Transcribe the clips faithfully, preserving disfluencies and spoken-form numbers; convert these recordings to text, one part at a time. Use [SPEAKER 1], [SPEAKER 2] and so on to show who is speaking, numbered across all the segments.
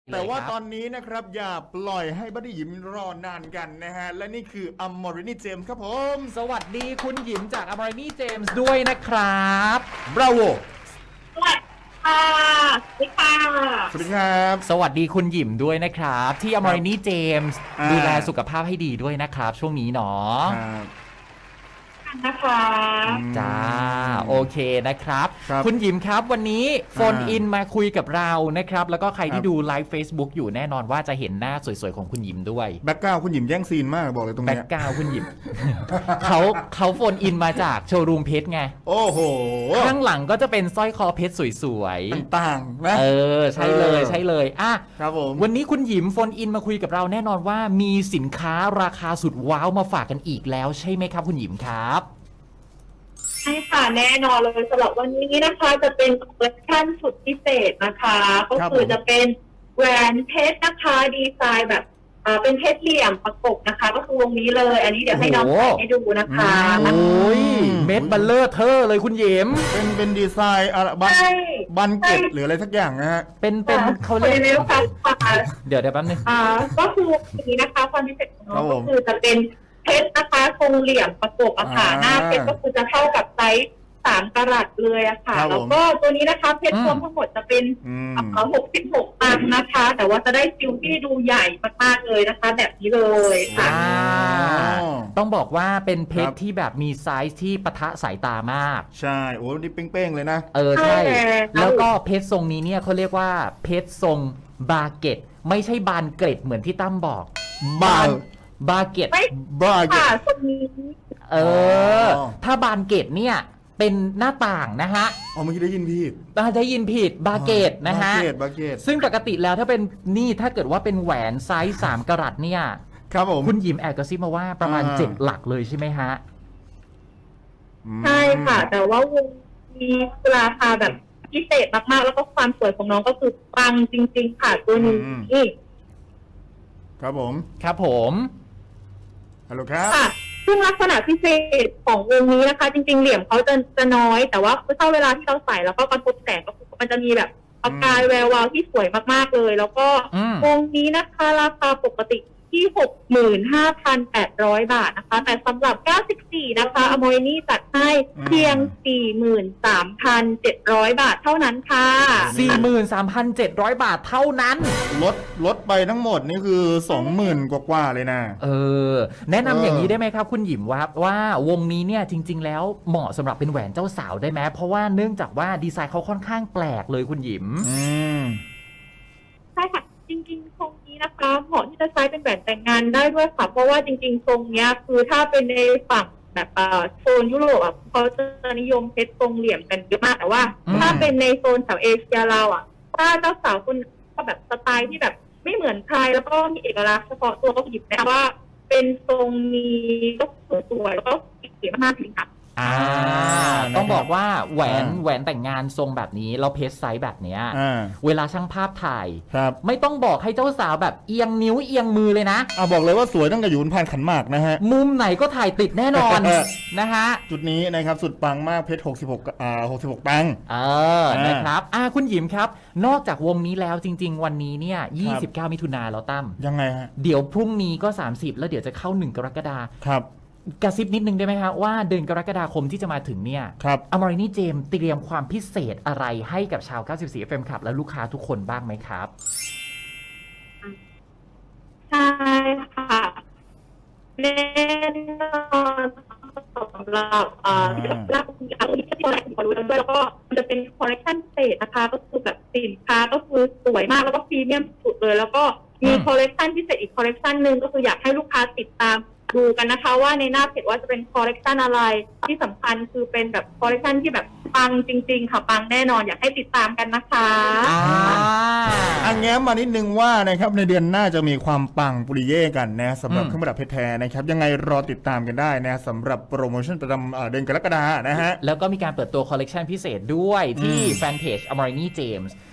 [SPEAKER 1] แต่ว่าตอนนี้นะครับอย่าปล่อยให้บัดดี้หยิมรอนานกันนะฮะและนี่คืออัมมอรินีเจมส์ครับผม
[SPEAKER 2] สวัสดีคุณหยิมจากอมรินีเจมส์ด้วยนะครับ
[SPEAKER 1] บราโว
[SPEAKER 3] สวัสดีค่ะสวัสดีค่ะ
[SPEAKER 1] สวัสดีครับ
[SPEAKER 2] สวัสดีคุณหยิมด้วยนะครับที่อมรินีเจมส์ดูแลสุขภาพให้ดีด้วยนะครับช่วงนี้เนาะ
[SPEAKER 3] นะคะ
[SPEAKER 2] จ้าโอเคนะครับ
[SPEAKER 1] ครับ
[SPEAKER 2] คุณหยิมครับวันนี้โฟนอินมาคุยกับเรานะครับแล้วก็ใครที่ดูไลฟ์ Facebook อยู่แน่นอนว่าจะเห็นหน้าสวยๆของคุณหยิมด้วย
[SPEAKER 1] แบ็กกราวคุณหยิมแย่งซีนมากบอกเลยตรงนี้
[SPEAKER 2] แบ็กกราวคุณหยิม เขาเขาโฟนอินมาจากโชว์รูมเพชรไง
[SPEAKER 1] โอ้โห
[SPEAKER 2] ข้างหลังก็จะเป็นสร้อยคอเพชรสวย
[SPEAKER 1] ๆต่างๆนะ
[SPEAKER 2] เออใช่เลยใช่เลยอ่ะ
[SPEAKER 1] ครับผม
[SPEAKER 2] วันนี้คุณหยิมโฟนอินมาคุยกับเราแน่นอนว่ามีสินค้าราคาสุดว้าวมาฝากกันอีกแล้วใช่ไหมครับคุณหยิมครับ
[SPEAKER 3] ใช่ค่ะแน่นอนเลยสำหรับวันนี้นะคะจะเป็นคอลเลคชั่นสุดพิเศษนะคะก็คือจะเป็นแหวนเพชรนะคะดีไซน์แบบอ่าเป็นเพชรเหลี่ยมประกบนะคะก็คือวงนี้เลยอันนี้เดี๋ยวให้น้องใส่ให้ดูนะคะ
[SPEAKER 2] โอ้ยเม็ดบัลเลอร์เธอเลยคุณหยิม
[SPEAKER 1] เป็นเป็นดีไซน์อะไรบันบันเก็ตหรืออะไรสักอย่างนะฮะ
[SPEAKER 2] เป็นเป็นเขาเรียกเดี๋ยวเดี๋ยวแป๊บนึง
[SPEAKER 3] อ่าก็คือวันนี้นะคะความพิเศษของน้องก็คือจะเป็นเพชรนะคะทรงเหลี่ยมประกบอะค่ะหน้าเพชรก็คือจะเท่ากับไซส์สามกะรัตเลยอะค่ะแล้วก็ตัวนี้นะคะเพชรรวมทั้งหมดจะเป็นหกสิบหกตันนะคะแต่ว่าจะได้ซิลที่ดูใหญ่มากๆเลยนะคะแบบนี้เลยค่ะ
[SPEAKER 2] ต้องบอกว่าเป็นเพชรที่แบบมีไซส์ที่ปะทะสายตามาก
[SPEAKER 1] ใช่โอ้นี่เป้งๆเลยนะ
[SPEAKER 2] เออใช่แล้วก็เพชรทรงนี้เนี่ยเขาเรียกว่าเพชรทรงบาเก็ตไม่ใช่บานเกล็ดเหมือนที่ตั้มบอก
[SPEAKER 1] บาน
[SPEAKER 2] บาเก็ต
[SPEAKER 1] บาเก็ต
[SPEAKER 2] เออถ้าบานเกตเนี่ยเป็นหน้าต่างนะฮะ
[SPEAKER 1] อ๋อเมื่อกี้ได้ยินผิด
[SPEAKER 2] ได้ยินผิดบาเกตนะฮะ
[SPEAKER 1] บาเกต
[SPEAKER 2] ซึ่งปกติแล้วถ้าเป็นนี่ถ้าเกิดว่าเป็นแหวนไซส์สามกะรัตเนี่ย
[SPEAKER 1] ครับผม
[SPEAKER 2] คุณหยิมแอบกระซิบมาว่าประมาณเจ็ดหลักเลยใช่ไหมฮะ
[SPEAKER 3] ใช่ค่ะแต่ว่าวงมีราคาแบบพิเศษมากๆแล้วก็ความสวยของน้องก็คือปังจริงๆค่ะตัวนี้
[SPEAKER 1] ครับผม
[SPEAKER 2] ครับผม
[SPEAKER 1] ฮัลโหลครับ
[SPEAKER 3] ค่ะซึ่งลักษณะพิเศษของวงนี้นะคะจริงๆเหลี่ยมเขาจะจะน้อยแต่ว่าเมื่อเวลาที่เราใส่แล้วก็กระทบแสงก็มันจะมีแบบประกายแวววาวที่สวยมากๆเลยแล้วก็วงนี้นะคะราคาปกติที่ หกหมื่นห้าพันแปดร้อย บาทนะคะแต่สำหรับเก้าสิบสี่นะคะอโมยนี่จัดให้เพียง สี่หมื่นสามพันเจ็ดร้อย บาทเท่านั้นค่ะ
[SPEAKER 2] สี่หมื่นสามพันเจ็ดร้อย บาทเท่านั้น
[SPEAKER 1] ลดลดไปทั้งหมดนี่คือ สองหมื่น กว่าๆเลยนะ
[SPEAKER 2] เออแนะนำอย่างนี้ได้ไหมครับคุณหยิมว่าว่าวงนี้เนี่ยจริงๆแล้วเหมาะสำหรับเป็นแหวนเจ้าสาวได้ไหมเพราะว่าเนื่องจากว่าดีไซน์เขาค่อนข้างแปลกเลยคุณหยิม
[SPEAKER 1] อืม
[SPEAKER 3] ใช่ค่ะจริงๆทรงนี้นะคะเหมาะที่จะใช้เป็นแหวนแต่งงานได้ด้วยค่ะเพราะว่าจริงๆทรงนี้คือถ้าเป็นในฝั่งแบบโซนยุโรปอ่ะเขาจะนิยมเพชรทรงเหลี่ยมกันเยอะมากแต่ว่าถ้าเป็นในโซนแถวเอเชียเราอ่ะถ้าเจ้าสาวคนก็แบบสไตล์ที่แบบไม่เหมือนใครแล้วก็มีเอกลักษณ์เฉพาะตัวก็หยิบนะว่าเป็นทรงนี้ก็สวยๆแล้วก็เก๋มากจริงค่ะ
[SPEAKER 2] อ่าต้องบอกว่าแหวนแหวนแต่งงานทรงแบบนี้เราเพชรไซส์แบบเนี้ยเวลาช่างภาพถ่ายไม่ต้องบอกให้เจ้าสาวแบบเอียงนิ้วเอียงมือเลยนะ
[SPEAKER 1] อ่าบอกเลยว่าสวยตั้งแต่อยู่บนพานขันหมากนะฮะ
[SPEAKER 2] มุมไหนก็ถ่ายติดแน่นอนนะฮะ
[SPEAKER 1] จุดนี้นะครับสุดปังมากเพชรหกสิบหกอ่าหกสิบหกตังค์
[SPEAKER 2] เออนะครับอ่าคุณหยิมครับนอกจากวงนี้แล้วจริงๆวันนี้เนี่ยยี่สิบเก้ามิถุนายนแล้วตั้ม
[SPEAKER 1] ยังไงฮะ
[SPEAKER 2] เดี๋ยวพรุ่งนี้ก็สามสิบแล้วเดี๋ยวจะเข้าหนึ่งกรกฎาคม
[SPEAKER 1] ครับ
[SPEAKER 2] กระซิบนิดนึงได้ไหมครับว่าเดือนกรกฎาคมที่จะมาถึงเนี่ยอมรินีเจมส์เตรียมความพิเศษอะไรให้กับชาวเก้าสิบสี่ เอฟ เอ็ม Club และลูกค้าทุกคนบ้างไหมครับ
[SPEAKER 3] ใช่ค่ะแน่นอนสำหรับอ่ารับเอาที่ที่เราขอรู้ด้วยแล้วก็จะเป็นคอลเลคชันพิเศษนะคะก็คือแบบสินค้าก็คือสวยมากแล้วก็พรีเมียมสุดเลยแล้วก็มีคอลเลคชันพิเศษอีกคอลเลคชันหนึ่งก็คืออยากให้ลูกค้าติดตามดูกันนะคะว่าในหน้าเพจว่าจะเป็นคอลเลคชันอะไรที่สำคัญคือเป็นแบบคอลเลคชันที่แบบปังจริงๆค่ะปังแน่นอนอยากให้ติดตามกันนะคะ
[SPEAKER 1] อ่าอันแง้มมานิดนึงว่านะครับในเดือนหน้าจะมีความปังปุริเย่กันนะสำหรับเครื่องประดับเพชรแท้นะครับยังไงรอติดตามกันได้นะสำหรับโปรโมชั่นประจำเดือนกรกฎาคมนะฮะ
[SPEAKER 2] แล้วก็มีการเปิดตัวคอลเลคชันพิเศษด้วยที่แฟนเพจ อมรินีเจมส์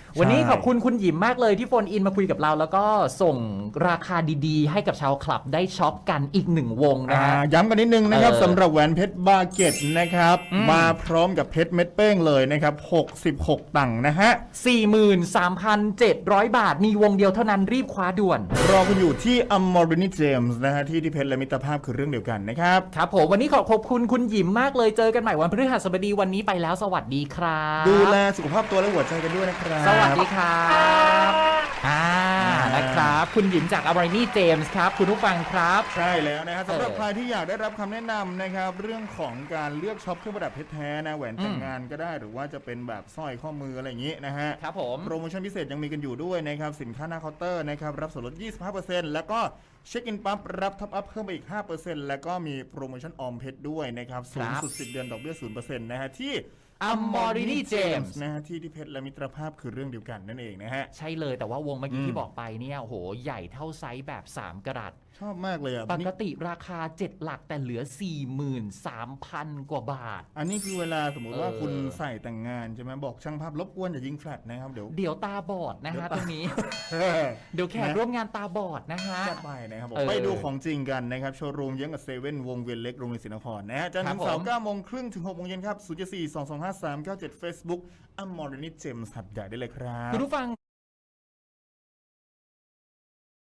[SPEAKER 2] วันนี้ขอบคุณคุณหยิมมากเลยที่โฟนอินมาคุยกับเรา แล้วก็ส่งราคาดีๆ ให้กับชาวคลับได้ช็อปกันอีกหนึ่งวงนะฮะ
[SPEAKER 1] ย้ำกันนิดนึงนะครับ
[SPEAKER 2] เออ
[SPEAKER 1] สำหรับแหวนเพชรบาเก็ตนะครับ
[SPEAKER 2] อืม
[SPEAKER 1] มาพร้อมกับเพชรเม็ดเป้งเลยนะครับหกสิบหกตังค์นะฮะ
[SPEAKER 2] สี่หมื่นสามพันเจ็ดร้อย บาทมีวงเดียวเท่านั้นรีบคว้าด่วน
[SPEAKER 1] รอคุณอยู่ที่ Amorini James นะฮะที่ที่เพชรและมิตรภาพคือเรื่องเดียวกันนะครับ
[SPEAKER 2] ครับผมวันนี้ขอขอบคุณคุณหยิมมากเลยเจอกันใหม่วันพฤหัสบดีวันนี้ไปแล้วสวัสดีครับ
[SPEAKER 1] ดูแลสุขภาพตัวและหัวใจกันด้วยนะครับ
[SPEAKER 2] สวัสดีครับอ่านะครับคุณหยิมจาก Amorini James ครับคุณผู้ฟังครับ
[SPEAKER 1] ใช่แล้วนะครับสำหรับ
[SPEAKER 2] เออ
[SPEAKER 1] ใครที่อยากได้รับคำแนะนำนะครับเรื่องของการเลือกช็อปเครื่องประดับเพชรแท้นะแหวนแต่งงานก็ได้หรือว่าจะเป็นแบบสร้อยข้อมืออะไรอย่างนี้นะฮะ
[SPEAKER 2] ครับผม
[SPEAKER 1] โปรโมชั่นพิเศษยังมีกันอยู่ด้วยนะครับสินค้าหน้าเคาน์เตอร์นะครับรับส่วนลด ยี่สิบห้าเปอร์เซ็นต์ แล้วก็เช็คอินปั๊บรับท็อปอัพเพิ่มไปอีก ห้าเปอร์เซ็นต์ แล้วก็มีโปรโมชั่นออมเพชรด้วยนะครับสูงสุดสิบเดือนดอกเบี้ย ศูนย์เปอร์เซ็นต์ นะฮะที่
[SPEAKER 2] Amorini James
[SPEAKER 1] นะฮะที่ที่เพชรและมิตรภาพคือเรื่องเดียวกันนั่นเองนะฮะ
[SPEAKER 2] ใช่เลยแต่ว่าวงเมื่อกี้
[SPEAKER 1] อืม
[SPEAKER 2] ที่บอกไปเนี่ยโหใหญ่เท่าไซส์แบบสามกะรัต
[SPEAKER 1] ชอบมากเลยอ่ะ
[SPEAKER 2] ปกติราคาเจ็ดหลักแต่เหลือ สี่หมื่นสามพัน กว่าบาท
[SPEAKER 1] อันนี้คือเวลาสมมุติว่า
[SPEAKER 2] เออ
[SPEAKER 1] คุณใส่แต่งงานใช่ไหมบอกช่างภาพรบกวนอย่ายิงแฟลชนะครับเดี๋ยว
[SPEAKER 2] เดี๋ยวตาบอดนะฮะตรงนี้ เดี๋ยวแขกร่วมงานตาบอดนะฮะ
[SPEAKER 1] จัดไปนะครับผม
[SPEAKER 2] เออ
[SPEAKER 1] ไปดูของจริงกันนะครับโชว์รูมเยื้องกับเซเว่นวงเวียนเล็กโรงเรียนศรีนครนะฮะจันทร์
[SPEAKER 2] ครั
[SPEAKER 1] ถึ
[SPEAKER 2] บ
[SPEAKER 1] งเสา
[SPEAKER 2] ผม
[SPEAKER 1] ร์เก้าโมงครึ่งถึงหกโมงเย็นครับศูนย์ เจ็ด สี่ สอง สอง ห้า สาม เก้า เจ็ด Facebook Amorini James หัดใหญ่ได้เลยครับ
[SPEAKER 2] คุณผู้ฟัง